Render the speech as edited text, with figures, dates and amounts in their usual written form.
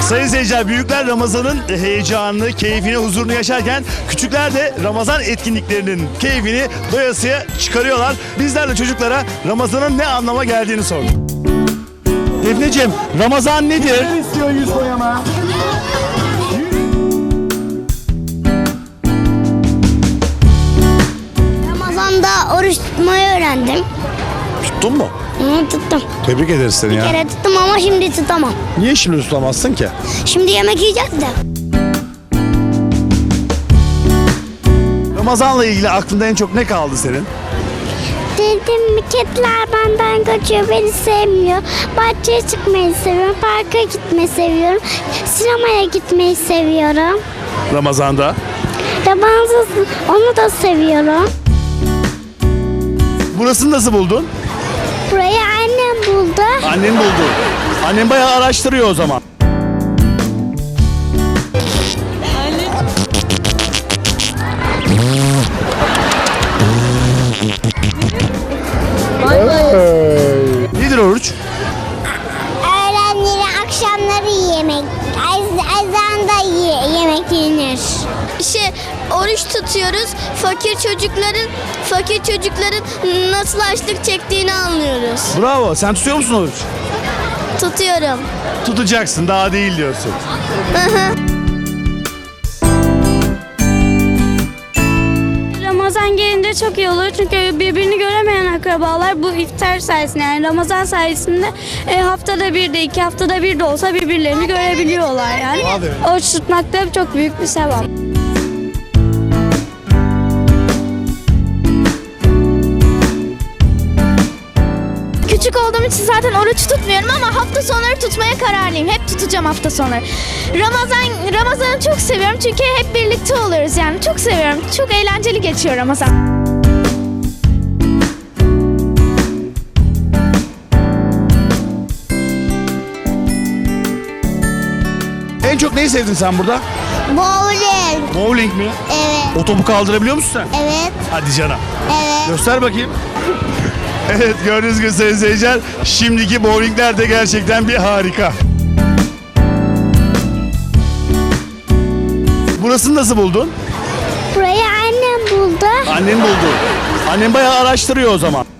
Sayın seyirciler, büyükler Ramazan'ın heyecanını, keyfini, huzurunu yaşarken küçükler de Ramazan etkinliklerinin keyfini doyasıya çıkarıyorlar. Bizler de çocuklara Ramazan'ın ne anlama geldiğini sorduk. Defneciğim, Ramazan nedir? Ne istiyor 100 boyama? Ramazan'da oruç tutmayı öğrendim. Tuttun mu? Tuttum. Tebrik ederiz seni Bir ya. kere tuttum ama şimdi tutamam. Niye şimdi tutamazsın ki? Şimdi yemek yiyeceğiz de. Ramazan'la ilgili aklında en çok ne kaldı senin? Dedim kediler benden kaçıyor, beni sevmiyor. Bahçeye çıkmayı seviyorum, parka gitmeyi seviyorum. Sinemaya gitmeyi seviyorum. Ramazan'da. Ramazan onu da seviyorum. Burasını nasıl buldun? Burayı annem buldu. Annen buldu. Annen bayağı araştırıyor o zaman. Nedir oruç? Öğlenleri, akşamları yemek. Ezanda yemek yenir. Oruç tutuyoruz. Fakir çocukların nasıl açlık çektiğini anlıyoruz. Bravo. Sen tutuyor musun oruç? Tutuyorum. Tutacaksın, daha değil diyorsun. Ramazan gelince çok iyi olur çünkü birbirini göremeyen akrabalar bu iftar sayesinde, yani Ramazan sayesinde haftada bir de 2 haftada bir de olsa birbirlerini görebiliyorlar yani. Oruç tutmak da çok büyük bir sevap. Küçük olduğum için zaten oruç tutmuyorum ama hafta sonları tutmaya kararlıyım. Hep tutacağım hafta sonları. Ramazan'ı çok seviyorum çünkü hep birlikte oluyoruz yani. Çok seviyorum. Çok eğlenceli geçiyor Ramazan. En çok neyi sevdin sen burada? Bowling. Bowling mi? Evet. O topu kaldırabiliyor musun sen? Evet. Hadi canım. Evet. Göster bakayım. Evet, gördüğünüz gibi sayın seyirciler, şimdiki bowlingler de gerçekten bir harika. Burasını nasıl buldun? Burayı annem buldu. Annen buldu. Annen bayağı araştırıyor o zaman.